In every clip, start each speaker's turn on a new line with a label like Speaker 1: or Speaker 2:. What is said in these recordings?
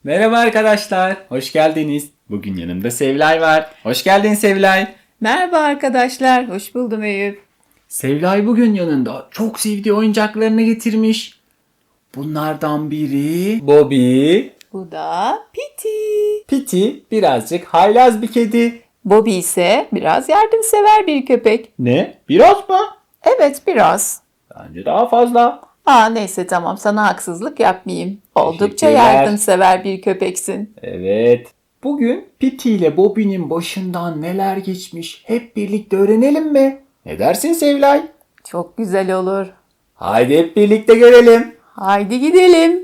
Speaker 1: Merhaba arkadaşlar, hoş geldiniz. Bugün yanımda Sevilay var. Hoş geldin Sevilay.
Speaker 2: Merhaba arkadaşlar, hoş buldum Eyüp.
Speaker 1: Sevilay bugün yanında çok sevdiği oyuncaklarını getirmiş. Bunlardan biri Bobby.
Speaker 2: Bu da Piti.
Speaker 1: Piti birazcık haylaz bir kedi.
Speaker 2: Bobby ise biraz yardımsever bir köpek.
Speaker 1: Ne? Biraz mı?
Speaker 2: Evet, biraz.
Speaker 1: Bence daha fazla.
Speaker 2: Neyse tamam, sana haksızlık yapmayayım. Oldukça
Speaker 1: Teşekkürler.
Speaker 2: yardımsever bir köpeksin.
Speaker 1: Evet. Bugün Piti ile Bobby'nin başından neler geçmiş hep birlikte öğrenelim mi? Ne dersin Sevilay?
Speaker 2: Çok güzel olur.
Speaker 1: Haydi hep birlikte görelim.
Speaker 2: Haydi gidelim.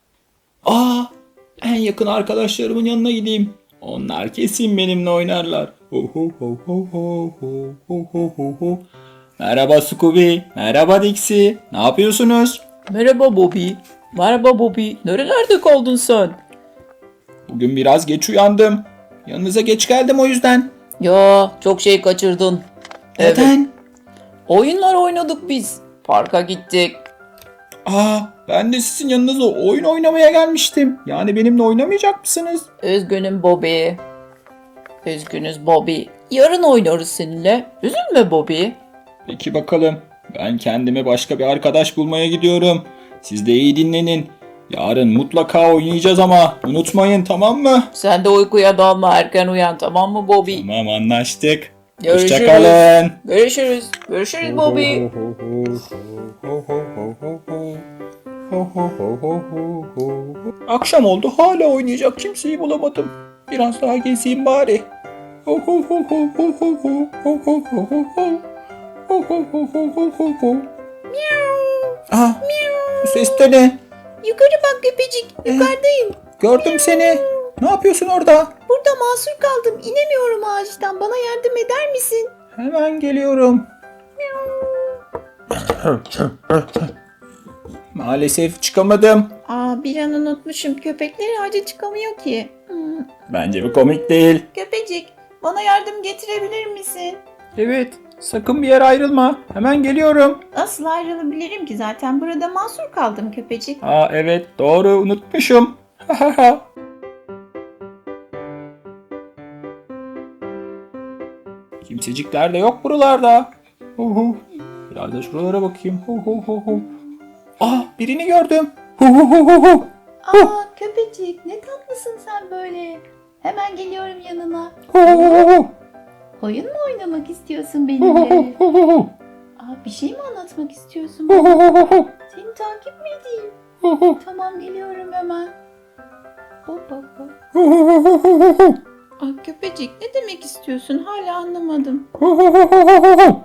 Speaker 1: En yakın arkadaşlarımın yanına gideyim. Onlar kesin benimle oynarlar. Merhaba Scooby, merhaba Dixie. Ne yapıyorsunuz?
Speaker 2: Merhaba Bobby. Merhaba Bobby. Nerelerde kaldın sen?
Speaker 1: Bugün biraz geç uyandım. Yanınıza geç geldim o yüzden.
Speaker 2: Ya çok şey kaçırdın.
Speaker 1: Neden?
Speaker 2: Oyunlar oynadık biz. Parka gittik.
Speaker 1: Ben de sizin yanınıza oyun oynamaya gelmiştim. Yani benimle oynamayacak mısınız?
Speaker 2: Üzgünüm Bobby. Üzgünüz Bobby. Yarın oynarız seninle. Üzülme Bobby.
Speaker 1: Peki bakalım. Ben kendime başka bir arkadaş bulmaya gidiyorum. Siz de iyi dinlenin. Yarın mutlaka oynayacağız ama unutmayın, tamam mı?
Speaker 2: Sen de uykuya dalma, erken uyan, tamam mı Bobby?
Speaker 1: Tamam, anlaştık.
Speaker 2: Görüşürüz.
Speaker 1: Hoşçakalın.
Speaker 2: Görüşürüz. Görüşürüz Bobby.
Speaker 1: Akşam oldu, hala oynayacak kimseyi bulamadım. Biraz daha gezeyim bari. Bu ses de ne?
Speaker 2: Yukarı bak köpecik. Yukarıdayım.
Speaker 1: Gördüm seni. Ne yapıyorsun orada?
Speaker 2: Burada mahsur kaldım. İnemiyorum ağaçtan. Bana yardım eder misin?
Speaker 1: Hemen geliyorum. Maalesef çıkamadım.
Speaker 2: Bir an unutmuşum. Köpekler ağaca çıkamıyor ki.
Speaker 1: Bence bu komik değil.
Speaker 2: Köpecik, bana yardım getirebilir misin?
Speaker 1: Evet, sakın bir yere ayrılma. Hemen geliyorum.
Speaker 2: Nasıl ayrılabilirim ki? Zaten burada mahsur kaldım köpecik.
Speaker 1: Evet, doğru, unutmuşum. Kimsecikler de yok buralarda. Biraz da şuralara bakayım. Birini gördüm.
Speaker 2: Köpecik, ne tatlısın sen böyle. Hemen geliyorum yanına. Oyun mu oynamak istiyorsun benimle? Bir şey mi anlatmak istiyorsun bana? Seni takip mi edeyim? Tamam, geliyorum hemen. Hop hop hop. Köpecik, ne demek istiyorsun? Hala anlamadım. Miau.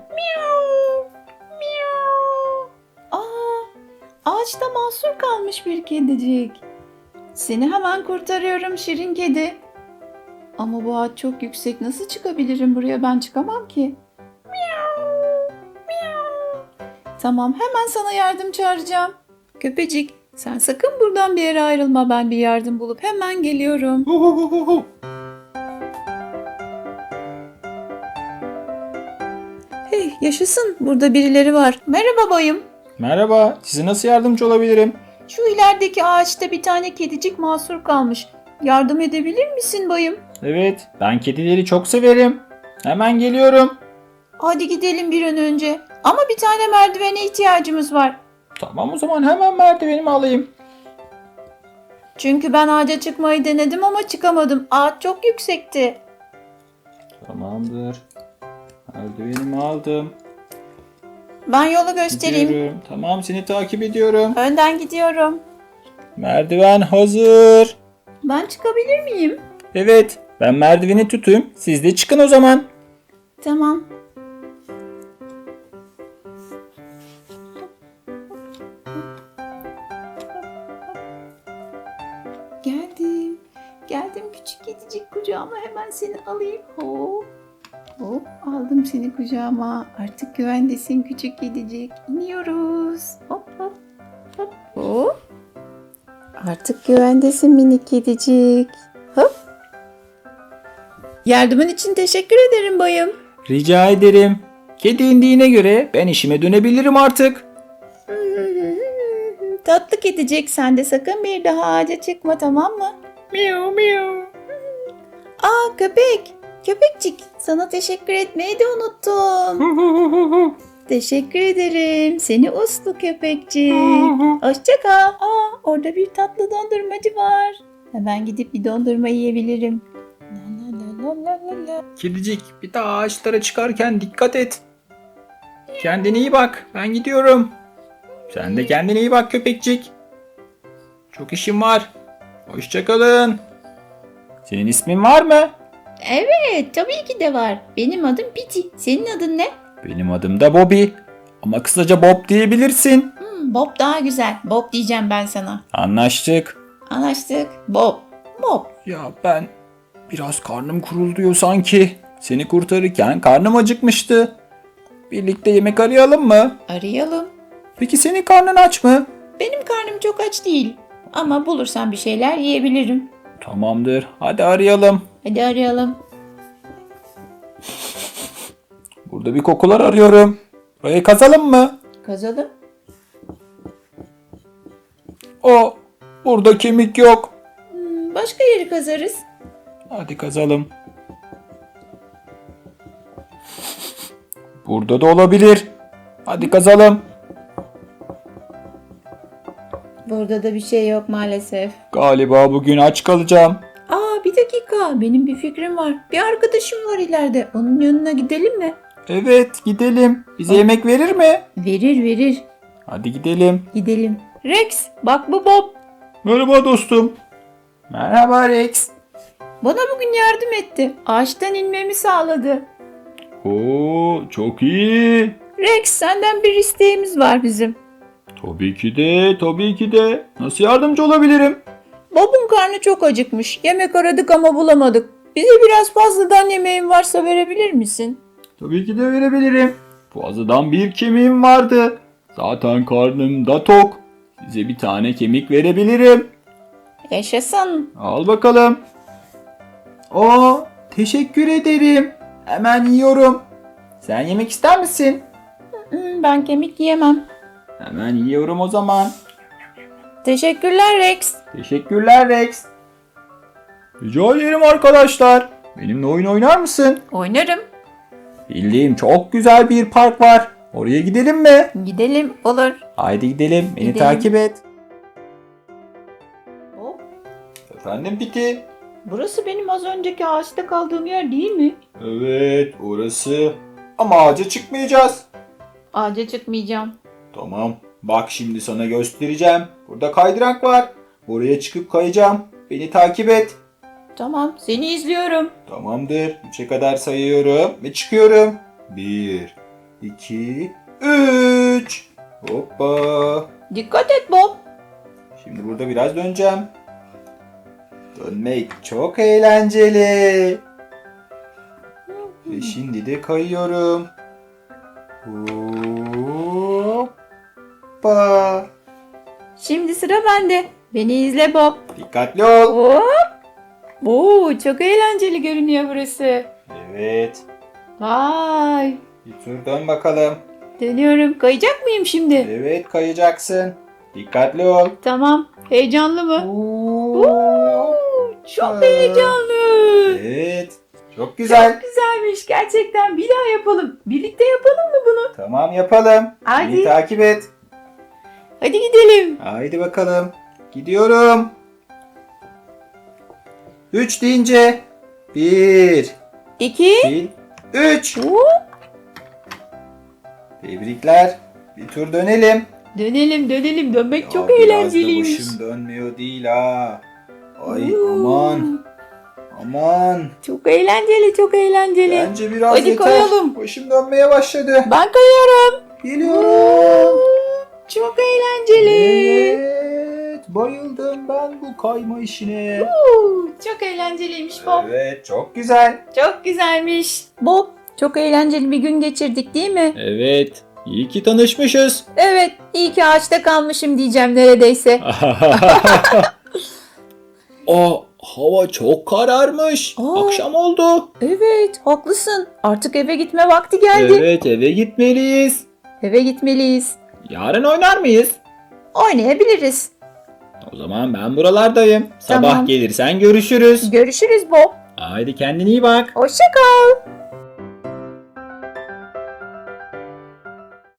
Speaker 2: Miau. Ağaçta mahsur kalmış bir kedicik. Seni hemen kurtarıyorum şirin kedi. Ama bu ağaç çok yüksek. Nasıl çıkabilirim buraya? Ben çıkamam ki. Miau. Miau. Tamam, hemen sana yardım çağıracağım. Köpecik, sen sakın buradan bir yere ayrılma. Ben bir yardım bulup hemen geliyorum. Hey, yaşasın. Burada birileri var. Merhaba bayım.
Speaker 1: Merhaba, size nasıl yardımcı olabilirim?
Speaker 2: Şu ilerideki ağaçta bir tane kedicik mahsur kalmış. Yardım edebilir misin bayım?
Speaker 1: Evet, ben kedileri çok severim. Hemen geliyorum.
Speaker 2: Hadi gidelim bir an önce. Ama bir tane merdivene ihtiyacımız var.
Speaker 1: Tamam, o zaman hemen merdivenimi alayım.
Speaker 2: Çünkü ben ağaca çıkmayı denedim ama çıkamadım. Ağaç çok yüksekti.
Speaker 1: Tamamdır. Merdivenimi aldım.
Speaker 2: Ben yolu göstereyim.
Speaker 1: Gidiyorum. Tamam, seni takip ediyorum.
Speaker 2: Önden gidiyorum.
Speaker 1: Merdiven hazır.
Speaker 2: Ben çıkabilir miyim?
Speaker 1: Evet, ben merdiveni tutayım. Siz de çıkın o zaman.
Speaker 2: Tamam. Geldim. Geldim küçük kedicik, kucağıma hemen seni alayım. Hop. Hop, aldım seni kucağıma. Artık güvendesin küçük kedicik. İniyoruz. Hop hop. Hop hop. Artık güvendesin minik kedicik. Hop. Yardımın için teşekkür ederim bayım.
Speaker 1: Rica ederim. Kedi indiğine göre ben işime dönebilirim artık.
Speaker 2: Tatlı kedicik, sen de sakın bir daha ağaca çıkma, tamam mı?
Speaker 1: Miau miau.
Speaker 2: Aa köpek. Köpekçik sana teşekkür etmeyi de unuttum. Teşekkür ederim. Seni uslu köpekçik. Hoşça kal. Aa orada bir tatlı dondurmacı var. Hemen gidip bir dondurma yiyebilirim. La la la la la la.
Speaker 1: Kedicik, bir daha ağaçlara çıkarken dikkat et. Kendine iyi bak. Ben gidiyorum. Sen de kendine iyi bak köpekçik. Çok işim var. Hoşça kalın. Senin ismin var mı?
Speaker 2: Evet tabii ki de var. Benim adım Piti. Senin adın ne?
Speaker 1: Benim adım da Bobby. Ama kısaca Bob diyebilirsin.
Speaker 2: Bob daha güzel. Bob diyeceğim ben sana.
Speaker 1: Anlaştık.
Speaker 2: Anlaştık. Bob. Bob.
Speaker 1: Ya ben biraz karnım kuruluyor sanki. Seni kurtarırken karnım acıkmıştı. Birlikte yemek arayalım mı?
Speaker 2: Arayalım.
Speaker 1: Peki senin karnın aç mı?
Speaker 2: Benim karnım çok aç değil. Ama bulursam bir şeyler yiyebilirim.
Speaker 1: Tamamdır. Hadi arayalım.
Speaker 2: Hadi arayalım.
Speaker 1: Burada bir kokular arıyorum. Burayı kazalım mı?
Speaker 2: Kazalım.
Speaker 1: Burada kemik yok.
Speaker 2: Başka yeri kazarız.
Speaker 1: Hadi kazalım. Burada da olabilir. Hadi kazalım.
Speaker 2: Burada da bir şey yok maalesef.
Speaker 1: Galiba bugün aç kalacağım.
Speaker 2: Aa bir dakika. Benim bir fikrim var. Bir arkadaşım var ileride. Onun yanına gidelim mi?
Speaker 1: Evet, gidelim. Bize yemek verir mi?
Speaker 2: Verir.
Speaker 1: Hadi gidelim.
Speaker 2: Gidelim. Rex bak bu Bob.
Speaker 1: Merhaba dostum. Merhaba Rex.
Speaker 2: Bana bugün yardım etti. Ağaçtan inmemi sağladı.
Speaker 1: Oo, çok iyi.
Speaker 2: Rex senden bir isteğimiz var bizim.
Speaker 1: Tabii ki de. Nasıl yardımcı olabilirim?
Speaker 2: Bob'un karnı çok acıkmış. Yemek aradık ama bulamadık. Bize biraz fazladan yemeğin varsa verebilir misin?
Speaker 1: Tabii ki de verebilirim. Fazladan bir kemiğim vardı. Zaten karnım da tok. Size bir tane kemik verebilirim.
Speaker 2: Yaşasın.
Speaker 1: Al bakalım. Teşekkür ederim. Hemen yiyorum. Sen yemek ister misin?
Speaker 2: Ben kemik yiyemem.
Speaker 1: Hemen yiyorum o zaman.
Speaker 2: Teşekkürler Rex.
Speaker 1: Teşekkürler Rex. Rica ederim arkadaşlar. Benimle oyun oynar mısın?
Speaker 2: Oynarım.
Speaker 1: Bildiğim çok güzel bir park var. Oraya gidelim mi?
Speaker 2: Gidelim olur.
Speaker 1: Haydi gidelim. Beni
Speaker 2: Gidelim.
Speaker 1: takip et.
Speaker 2: Hop.
Speaker 1: Efendim Piti?
Speaker 2: Burası benim az önceki ağaçta kaldığım yer değil mi?
Speaker 1: Evet, orası. Ama ağaca çıkmayacağız.
Speaker 2: Ağaca çıkmayacağım.
Speaker 1: Tamam. Bak şimdi sana göstereceğim. Burada kaydırak var. Oraya çıkıp kayacağım. Beni takip et.
Speaker 2: Tamam seni izliyorum.
Speaker 1: Tamamdır. 3'e kadar sayıyorum ve çıkıyorum. 1, 2, 3. Hoppa.
Speaker 2: Dikkat et Bob.
Speaker 1: Şimdi burada biraz döneceğim. Dönmek çok eğlenceli. Ve şimdi de kayıyorum. Hoppa.
Speaker 2: Şimdi sıra bende. Beni izle Bob.
Speaker 1: Dikkatli ol.
Speaker 2: Hop. Oo, çok eğlenceli görünüyor burası.
Speaker 1: Evet.
Speaker 2: Vay.
Speaker 1: Bir tur dön bakalım.
Speaker 2: Dönüyorum. Kayacak mıyım şimdi?
Speaker 1: Evet, kayacaksın. Dikkatli ol.
Speaker 2: Tamam. Heyecanlı mı? Oo, çok
Speaker 1: Aa.
Speaker 2: heyecanlı.
Speaker 1: Evet. Çok güzel.
Speaker 2: Çok güzelmiş gerçekten. Bir daha yapalım. Birlikte yapalım mı bunu?
Speaker 1: Tamam yapalım.
Speaker 2: Hadi.
Speaker 1: Beni takip et.
Speaker 2: Hadi gidelim.
Speaker 1: Haydi bakalım. Gidiyorum. 3 deyince 1,
Speaker 2: 2.
Speaker 1: 2, 3.
Speaker 2: Hop.
Speaker 1: Tebrikler. Bir tur dönelim.
Speaker 2: Dönelim. Dönmek çok
Speaker 1: Ya,
Speaker 2: eğlenceliymiş.
Speaker 1: Biraz da başım dönmüyor değil ha. Ay
Speaker 2: Oo.
Speaker 1: aman. Aman.
Speaker 2: Çok eğlenceli.
Speaker 1: Bence biraz
Speaker 2: Hadi
Speaker 1: yeter.
Speaker 2: kayalım.
Speaker 1: Başım dönmeye başladı.
Speaker 2: Ben kayıyorum.
Speaker 1: Geliyorum.
Speaker 2: Çok eğlenceli.
Speaker 1: Evet. Bayıldım ben bu kayma işine.
Speaker 2: Çok eğlenceliymiş Bob.
Speaker 1: Evet. Çok güzel.
Speaker 2: Çok güzelmiş. Bob, çok eğlenceli bir gün geçirdik değil mi?
Speaker 1: Evet. İyi ki tanışmışız.
Speaker 2: Evet, iyi ki ağaçta kalmışım diyeceğim neredeyse.
Speaker 1: Hava çok kararmış.
Speaker 2: Aa.
Speaker 1: Akşam oldu.
Speaker 2: Evet, haklısın. Artık eve gitme vakti geldi.
Speaker 1: Evet, eve gitmeliyiz.
Speaker 2: Eve gitmeliyiz.
Speaker 1: Yarın oynar mıyız?
Speaker 2: Oynayabiliriz.
Speaker 1: O zaman ben buralardayım. Sabah
Speaker 2: Tamam.
Speaker 1: gelirsen görüşürüz.
Speaker 2: Görüşürüz Bob.
Speaker 1: Haydi kendine iyi bak.
Speaker 2: Hoşça kal.